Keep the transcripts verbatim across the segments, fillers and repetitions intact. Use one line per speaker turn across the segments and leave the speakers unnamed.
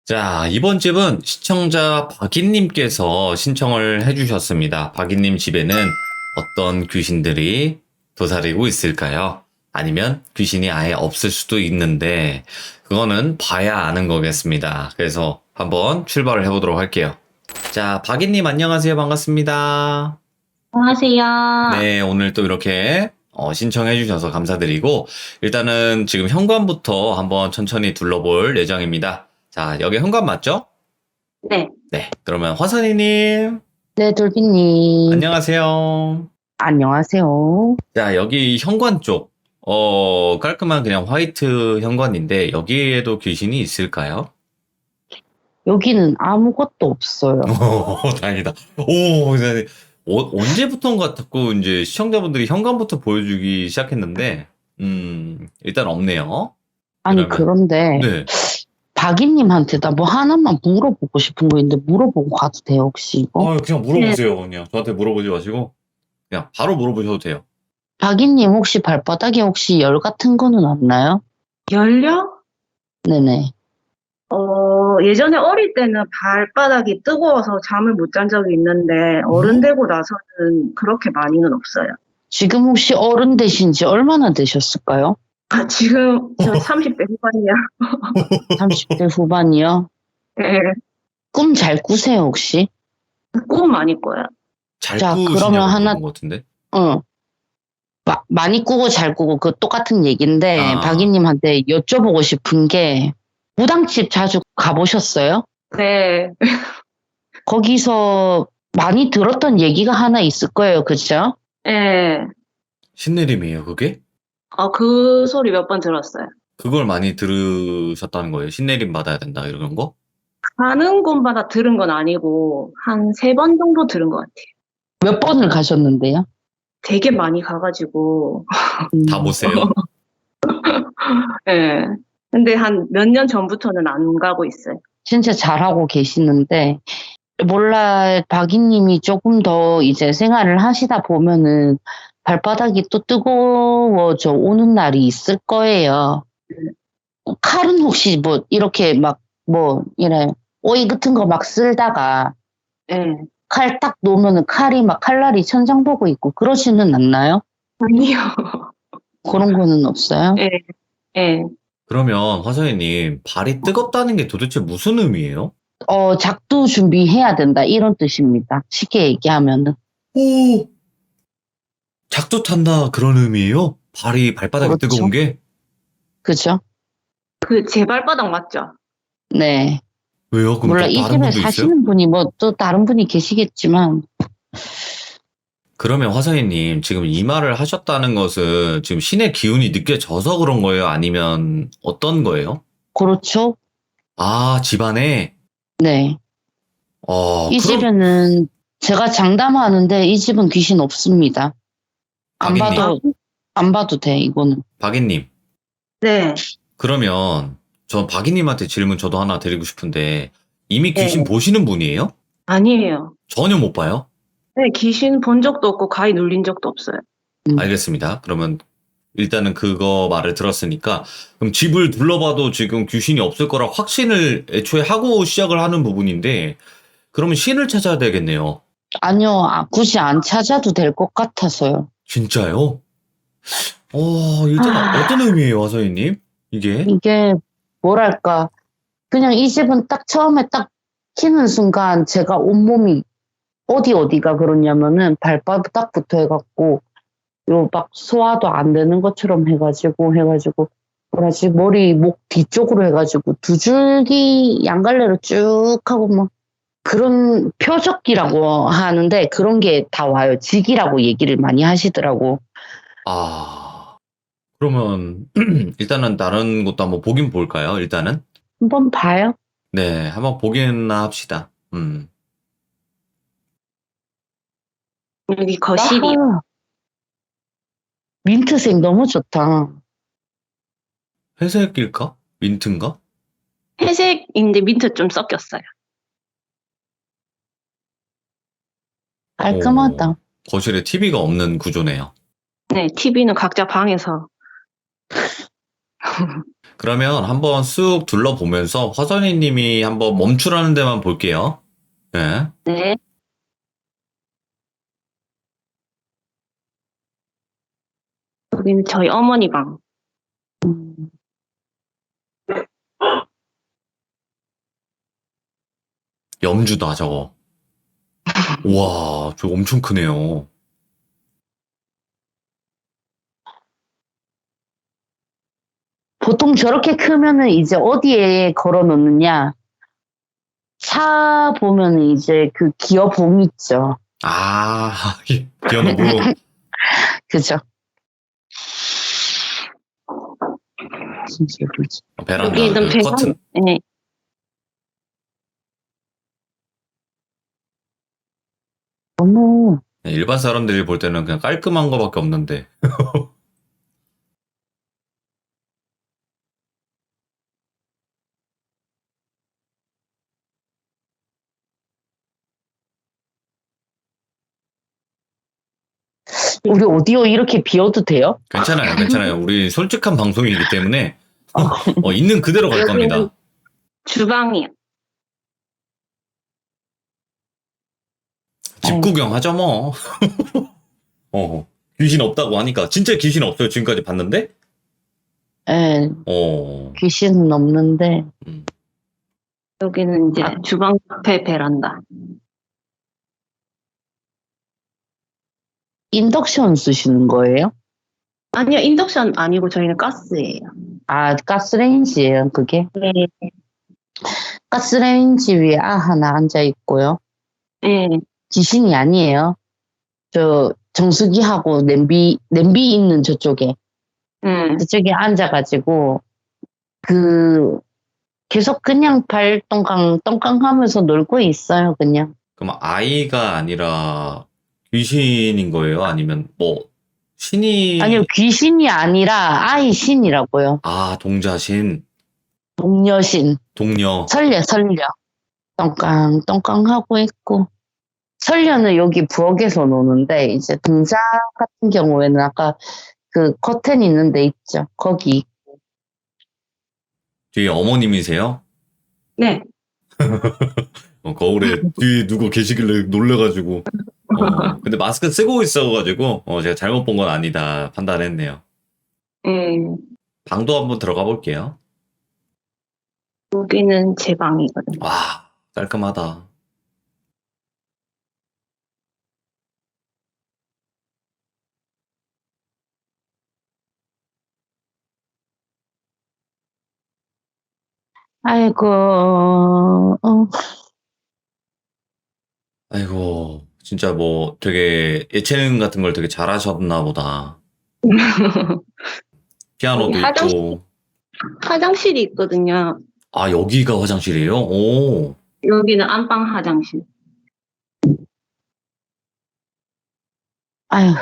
자, 이번 집은 시청자 박인님께서 신청을 해주셨습니다. 박인님 집에는 어떤 귀신들이 도사리고 있을까요? 아니면 귀신이 아예 없을 수도 있는데, 그거는 봐야 아는 거겠습니다. 그래서 한번 출발을 해보도록 할게요. 자, 박인님 안녕하세요. 반갑습니다.
안녕하세요.
네, 오늘 또 이렇게 어, 신청해주셔서 감사드리고, 일단은 지금 현관부터 한번 천천히 둘러볼 예정입니다. 자, 여기 현관 맞죠?
네,
네, 그러면 화선이님,
네, 돌비님.
안녕하세요.
안녕하세요.
자, 여기 현관 쪽, 어, 깔끔한 그냥 화이트 현관인데, 여기에도 귀신이 있을까요?
여기는 아무것도 없어요.
오, 다행이다. 오, 네. 어, 언제부턴가 자꾸 이제 시청자분들이 현관부터 보여주기 시작했는데, 음, 일단 없네요.
아니,
그러면,
그런데
네.
박이님한테 나 뭐 하나만 물어보고 싶은 거 있는데 물어보고 가도 돼요, 혹시 이거?
아, 그냥 물어보세요. 그냥 저한테 물어보지 마시고, 그냥 바로 물어보셔도 돼요.
박이님 혹시 발바닥에 혹시 열 같은 거는 없나요?
열려?
네네.
어, 예전에 어릴 때는 발바닥이 뜨거워서 잠을 못 잔 적이 있는데, 어른 되고 나서는 그렇게 많이는 없어요.
지금 혹시 어른 되신 지 얼마나 되셨을까요?
아, 지금 저 삼십 대 후반이야.
삼십 대 후반이요?
네,
꿈 잘 꾸세요, 혹시?
꿈 많이 꿔요.
잘
자,
꾸시냐고
그러면 하나-
물어본 것 같은데?
응. 마- 많이 꾸고 잘 꾸고 그 똑같은 얘기인데
아.
박이님한테 여쭤보고 싶은 게 무당집 자주 가보셨어요?
네,
거기서 많이 들었던 얘기가 하나 있을 거예요, 그죠?
네.
신내림이에요, 그게?
어, 그 소리 몇 번 들었어요.
그걸 많이 들으셨다는 거예요? 신내림 받아야 된다, 이런 거?
가는 곳마다 들은 건 아니고, 한 세 번 정도 들은 것 같아요.
몇 번을 가셨는데요?
되게 많이 가가지고,
음,
다 보세요.
예. 근데 한 몇 년 전부터는 안 가고 있어요.
진짜 잘하고 계시는데 몰라 박이님이 조금 더 이제 생활을 하시다 보면은 발바닥이 또 뜨거워져 오는 날이 있을 거예요. 칼은 혹시 뭐 이렇게 막 뭐 이래 오이 같은 거 막 쓸다가
예.
칼 딱 놓으면은 칼이 막 칼날이 천장 보고 있고 그러지는 않나요?
아니요.
그런 거는 없어요?
예, 예.
그러면 화선이님, 발이 뜨겁다는 게 도대체 무슨 의미예요?
어, 작두 준비해야 된다 이런 뜻입니다. 쉽게 얘기하면은.
오! 작두 탄다, 그런 의미예요? 발이, 발바닥이
그렇죠.
뜨거운 게?
그죠?
그 제 발바닥 맞죠?
네.
왜요? 그럼
몰라
또
이
다른
집에
분도 있어요?
사시는 분이 뭐 또 다른 분이 계시겠지만
그러면 화선이님, 지금 이 말을 하셨다는 것은 지금 신의 기운이 느껴져서 그런 거예요? 아니면 어떤 거예요?
그렇죠?
아, 집안에?
네.
어,
이
그럼,
집에는 제가 장담하는데 이 집은 귀신 없습니다. 안
박인님.
봐도 안 봐도 돼 이거는.
박인님.
네.
그러면 저 박이님한테 질문 저도 하나 드리고 싶은데 이미 귀신
네.
보시는 분이에요?
아니에요.
전혀 못 봐요?
네, 귀신 본 적도 없고 가위 눌린 적도 없어요.
음.
알겠습니다. 그러면 일단은 그거 말을 들었으니까 그럼 집을 둘러봐도 지금 귀신이 없을 거라 확신을 애초에 하고 시작을 하는 부분인데 그러면 신을 찾아야 되겠네요.
아니요, 아, 굳이 안 찾아도 될 것 같아서요.
진짜요? 어, 일단
아.
어떤 의미예요, 화서희님? 이게?
이게 뭐랄까 그냥 이 집은 딱 처음에 딱 키는 순간 제가 온몸이 어디 어디가 그러냐면은 발바닥부터 해갖고 요 막 소화도 안 되는 것처럼 해가지고 해가지고 뭐라지 머리 목 뒤쪽으로 해가지고 두 줄기 양갈래로 쭉 하고 막 그런 표적기라고 하는데 그런 게 다 와요. 직이라고 얘기를 많이 하시더라고.
아, 그러면 일단은 다른 것도 한번 보긴 볼까요, 일단은?
한번 봐요.
네, 한번 보기나 합시다. 음.
여기 거실이.
아하. 민트색 너무 좋다.
회색일까? 민트인가?
회색인데 민트 좀 섞였어요.
깔끔하다.
오, 거실에 티비가 없는 구조네요.
네, 티비는 각자 방에서.
그러면 한번 쑥 둘러보면서 화선이 님이 한번 멈추라는 데만 볼게요. 예.
네. 여기는 저희 어머니 방.
음,
염주다, 저거. 우와, 저거 엄청 크네요.
보통 저렇게 크면은 이제 어디에 걸어 놓느냐? 차 보면은 이제 그 기어봉 있죠.
아, 기어노부.
그죠? 진짜 예쁘지.
베란다,
여기는
그 커튼.
배관, 네.
너무
네, 일반 사람들이 볼 때는 그냥 깔끔한 거밖에 없는데.
우리 오디오 이렇게 비워도 돼요?
괜찮아요, 괜찮아요. 우리 솔직한 방송이기 때문에 어, 있는 그대로 갈 겁니다.
주방이요.
집 구경하죠, 뭐. 어, 귀신 없다고 하니까. 진짜 귀신 없어요, 지금까지 봤는데?
예,
어,
귀신은 없는데
음.
여기는 이제 주방 옆에 베란다.
인덕션 쓰시는 거예요?
아니요, 인덕션 아니고 저희는 가스예요.
아, 가스레인지예요, 그게?
네.
가스레인지 위에 아 하나 앉아 있고요.
네.
귀신이 아니에요. 저 정수기하고 냄비 냄비 있는 저쪽에
음.
그쪽에 앉아가지고 그 계속 그냥 발 똥깡 똥깡 하면서 놀고 있어요, 그냥.
그럼 아이가 아니라 귀신인 거예요? 아니면 뭐, 신이.
아니요, 귀신이 아니라 아이 신이라고요.
아, 동자신,
동녀신,
동녀.
설녀, 설녀. 똥깡 똥깡 하고 있고. 설녀는 여기 부엌에서 노는데 이제 동자 같은 경우에는 아까 그 커튼 있는 데 있죠. 거기.
뒤에 어머님이세요?
네.
어, 거울에 뒤에 누구 계시길래 놀래가지고. 어, 근데 마스크 쓰고 있어가지고, 어, 제가 잘못 본 건 아니다 판단했네요.
네.
방도 한번 들어가 볼게요.
여기는 제 방이거든요.
와, 깔끔하다.
아이고, 어,
아이고, 진짜 뭐 되게 예체능 같은 걸 되게 잘하셨나 보다. 피아노도
여기 화장실.
있고.
화장실이 있거든요.
아, 여기가 화장실이에요? 오.
여기는 안방 화장실.
아유,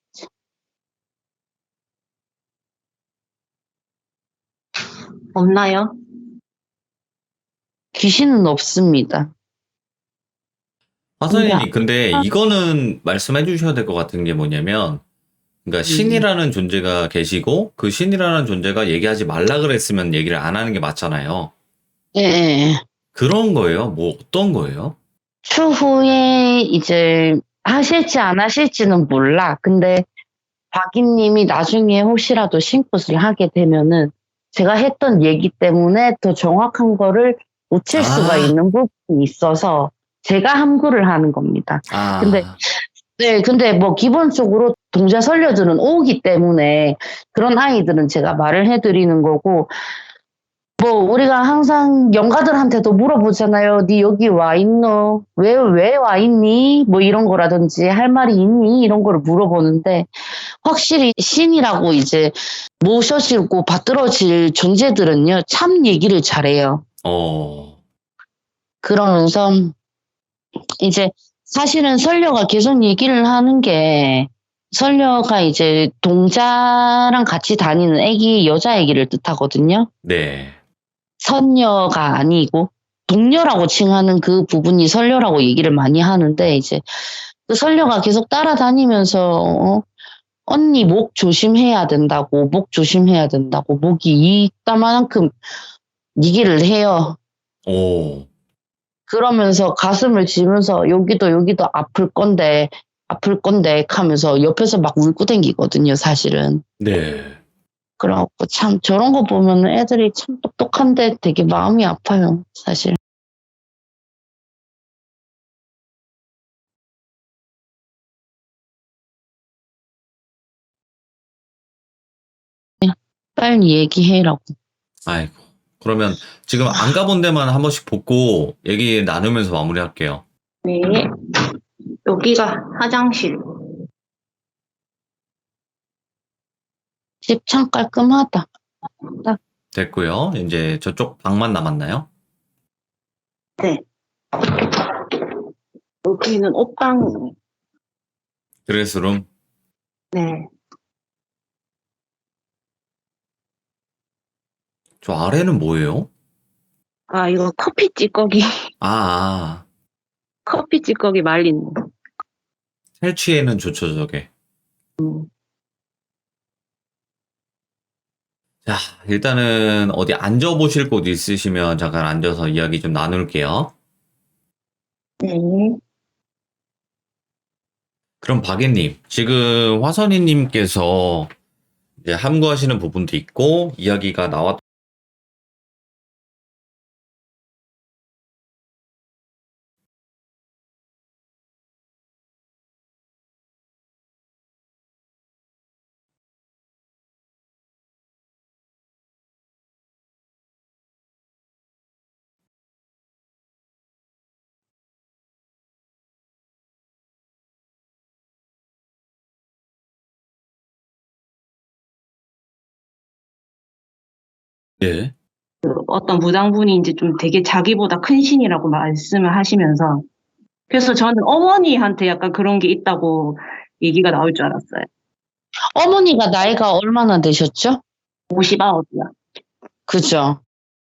없나요?
귀신은 없습니다.
화선이님, 근데 이거는 말씀해 주셔야 될 것 같은 게 뭐냐면, 그러니까 신이라는 존재가 계시고, 그 신이라는 존재가 얘기하지 말라 그랬으면 얘기를 안 하는 게 맞잖아요.
예, 예.
그런 거예요? 뭐 어떤 거예요?
추후에 이제 하실지 안 하실지는 몰라. 근데 박이님이 나중에 혹시라도 신굿을 하게 되면은 제가 했던 얘기 때문에 더 정확한 거를 놓칠
아.
수가 있는 부분이 있어서 제가 함구를 하는 겁니다.
아,
근데 네, 근데 뭐 기본적으로 동자 선녀들은 오기 때문에 그런 아이들은 제가 말을 해드리는 거고, 뭐 우리가 항상 영가들한테도 물어보잖아요. 네 여기 와 있노? 왜, 왜 와 있니? 뭐 이런 거라든지 할 말이 있니? 이런 거를 물어보는데 확실히 신이라고 이제 모셔지고 받들어질 존재들은요, 참 얘기를 잘해요.
어,
그러면서 이제 사실은 선녀가 계속 얘기를 하는 게, 선녀가 이제 동자랑 같이 다니는 애기, 여자 애기를 뜻하거든요.
네.
선녀가 아니고 동녀라고 칭하는 그 부분이 선녀라고 얘기를 많이 하는데, 이제 그 선녀가 계속 따라다니면서 어, 언니 목 조심해야 된다고, 목 조심해야 된다고, 목이 이따만큼 얘기를 해요.
오,
그러면서 가슴을 지면서 여기도 여기도 아플 건데, 아플 건데 하면서 옆에서 막 울고 댕기거든요, 사실은.
네.
그래갖고 참 저런 거 보면 애들이 참 똑똑한데 되게 마음이 아파요, 사실. 빨리 얘기해라고.
아이고. 그러면 지금 안 가본 데만 한 번씩 보고 얘기 나누면서 마무리할게요.
네. 여기가 화장실.
집 참 깔끔하다.
됐고요. 이제 저쪽 방만 남았나요?
네. 여기는 옷방.
드레스룸.
네.
저 아래는 뭐예요?
아, 이거 커피 찌꺼기.
아, 아.
커피 찌꺼기 말린 거.
탈취에는 좋죠, 저게. 자, 일단은 어디 앉아보실 곳 있으시면 잠깐 앉아서 이야기 좀 나눌게요.
네.
그럼 박예님, 지금 화선이님께서 이제 함구하시는 부분도 있고, 이야기가 나왔, 예.
어떤 무당분이 이제 좀 되게 자기보다 큰 신이라고 말씀을 하시면서, 그래서 저는 어머니한테 약간 그런 게 있다고 얘기가 나올 줄 알았어요.
어머니가 나이가 얼마나 되셨죠?
오십아홉이요.
그죠?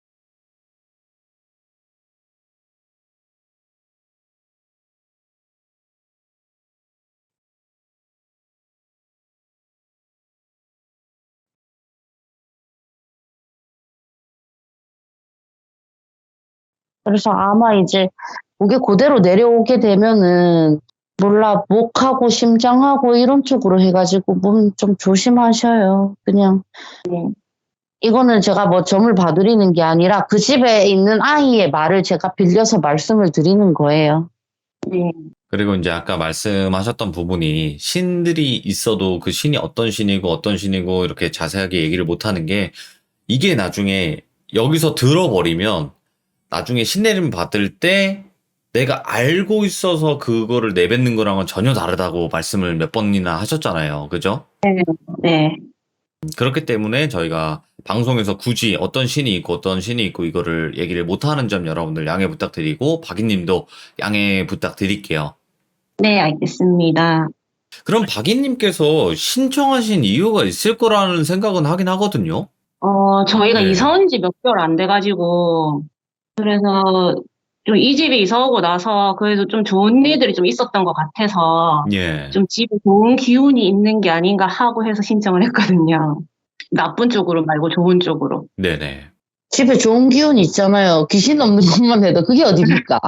그래서 아마 이제 그게 그대로 내려오게 되면은 몰라 목하고 심장하고 이런 쪽으로 해가지고 몸 좀 조심하셔요. 그냥 이거는 제가 뭐 점을 봐드리는 게 아니라 그 집에 있는 아이의 말을 제가 빌려서 말씀을 드리는 거예요.
네.
그리고 이제 아까 말씀하셨던 부분이 신들이 있어도 그 신이 어떤 신이고 어떤 신이고 이렇게 자세하게 얘기를 못하는 게 이게 나중에 여기서 들어버리면 나중에 신내림 받을 때 내가 알고 있어서 그거를 내뱉는 거랑은 전혀 다르다고 말씀을 몇 번이나 하셨잖아요. 그죠?
네.
그렇기 때문에 저희가 방송에서 굳이 어떤 신이 있고 어떤 신이 있고 이거를 얘기를 못하는 점 여러분들 양해 부탁드리고 박이님도 양해 부탁드릴게요.
네, 알겠습니다.
그럼 박이님께서 신청하신 이유가 있을 거라는 생각은 하긴 하거든요.
어, 저희가
네.
이사 온 지 몇 개월 안 돼가지고, 그래서 좀 이 집에 이사 오고 나서 그래도 좀 좋은 일들이 좀 있었던 것 같아서,
예.
좀 집에 좋은 기운이 있는 게 아닌가 하고 해서 신청을 했거든요. 나쁜 쪽으로 말고 좋은 쪽으로.
네네.
집에 좋은 기운이 있잖아요. 귀신 없는 것만 해도 그게 어딥니까?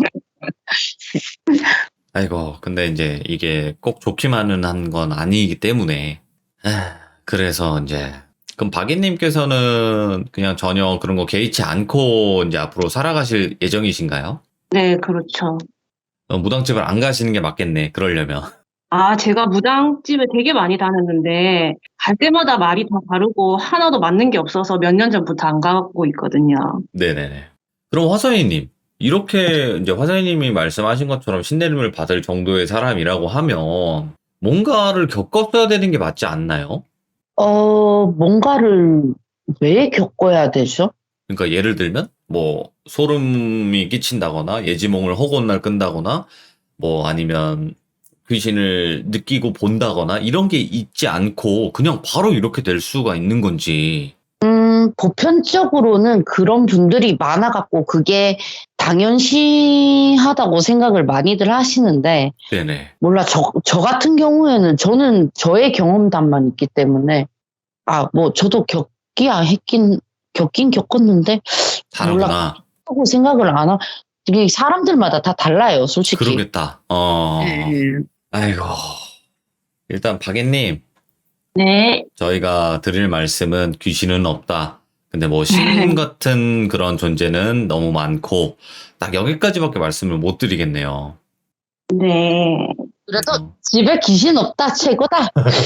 아이고, 근데 이제 이게 꼭 좋기만은 한 건 아니기 때문에. 아, 그래서 이제, 그럼 박이님께서는 그냥 전혀 그런 거 개의치 않고 이제 앞으로 살아가실 예정이신가요?
네, 그렇죠.
어, 무당집을 안 가시는 게 맞겠네, 그러려면.
아, 제가 무당집에 되게 많이 다녔는데, 갈 때마다 말이 다 다르고, 하나도 맞는 게 없어서 몇 년 전부터 안 가고 있거든요.
네네네. 그럼 화선이님, 이렇게 이제 화선이님이 말씀하신 것처럼 신내림을 받을 정도의 사람이라고 하면 뭔가를 겪었어야 되는 게 맞지 않나요?
어, 뭔가를 왜 겪어야 되죠?
그러니까 예를 들면 뭐 소름이 끼친다거나 예지몽을 허구한 날 끈다거나 뭐 아니면 귀신을 느끼고 본다거나 이런 게 있지 않고 그냥 바로 이렇게 될 수가 있는 건지.
음, 음, 보편적으로는 그런 분들이 많아갖고 그게 당연시하다고 생각을 많이들 하시는데,
네네.
몰라, 저, 저 같은 경우에는 저는 저의 경험담만 있기 때문에, 아, 뭐, 저도 겪기야 했긴, 겪긴 겪었는데, 몰라,
다르구나.
하고 생각을 안 하, 이게 사람들마다 다 달라요, 솔직히.
그러겠다. 어,
음.
아이고. 일단 박예님,
네.
저희가 드릴 말씀은 귀신은 없다. 근데 뭐 신 같은 그런 존재는 너무 많고 딱 여기까지밖에 말씀을 못 드리겠네요.
네.
그래도
그래서-
집에 귀신 없다, 최고다.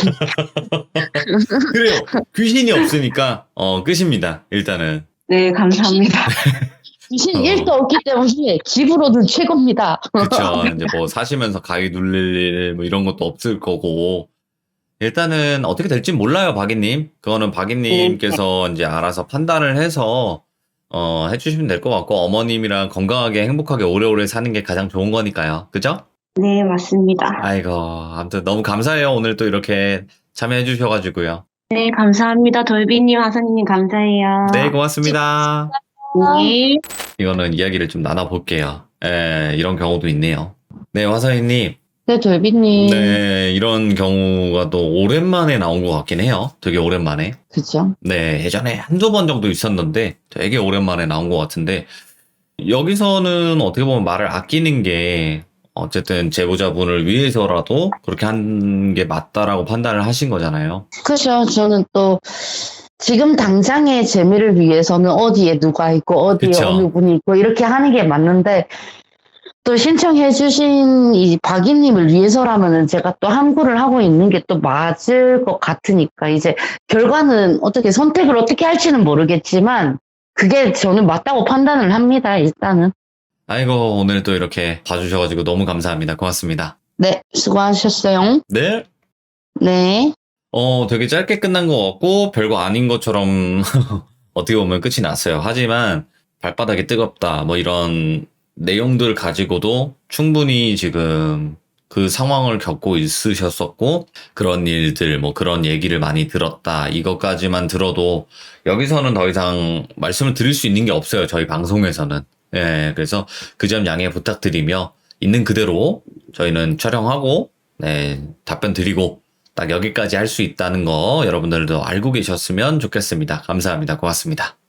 그래요. 귀신이 없으니까 어 끝입니다. 일단은.
네, 감사합니다.
귀신
어.
일도 없기 때문에 집으로는 최고입니다.
그쵸. 이제 뭐 사시면서 가위 눌릴 일 뭐 이런 것도 없을 거고. 일단은 어떻게 될지 몰라요, 박이님. 그거는 박이님께서 이제 알아서 판단을 해서 어 해주시면 될 것 같고 어머님이랑 건강하게 행복하게 오래오래 사는 게 가장 좋은 거니까요. 그죠?
네, 맞습니다.
아이고, 아무튼 너무 감사해요. 오늘 또 이렇게 참여해 주셔가지고요.
네, 감사합니다. 돌비님, 하선이님, 감사해요.
네, 고맙습니다.
네.
이거는 이야기를 좀 나눠볼게요. 에, 이런 경우도 있네요. 네, 화사이님.
네, 돌비님.
네, 이런 경우가 또 오랜만에 나온 것 같긴 해요. 되게 오랜만에.
그죠?
네, 예전에 한두 번 정도 있었는데 되게 오랜만에 나온 것 같은데 여기서는 어떻게 보면 말을 아끼는 게 어쨌든 제보자분을 위해서라도 그렇게 한 게 맞다라고 판단을 하신 거잖아요.
그죠. 저는 또 지금 당장의 재미를 위해서는 어디에 누가 있고 어디에
그쵸.
어느 분이 있고 이렇게 하는 게 맞는데 또 신청해주신 이 박이님을 위해서라면은 제가 또 함구를 하고 있는 게 또 맞을 것 같으니까 이제 결과는 어떻게 선택을 어떻게 할지는 모르겠지만 그게 저는 맞다고 판단을 합니다. 일단은.
아이고, 오늘 또 이렇게 봐주셔가지고 너무 감사합니다. 고맙습니다.
네, 수고하셨어요.
네.
네.
어, 되게 짧게 끝난 것 같고 별거 아닌 것처럼 어떻게 보면 끝이 났어요. 하지만 발바닥이 뜨겁다 뭐 이런 내용들 가지고도 충분히 지금 그 상황을 겪고 있으셨었고 그런 일들 뭐 그런 얘기를 많이 들었다 이것까지만 들어도 여기서는 더 이상 말씀을 드릴 수 있는 게 없어요. 저희 방송에서는. 예, 그래서 그 점 양해 부탁드리며 있는 그대로 저희는 촬영하고 네, 답변 드리고 딱 여기까지 할 수 있다는 거 여러분들도 알고 계셨으면 좋겠습니다. 감사합니다. 고맙습니다.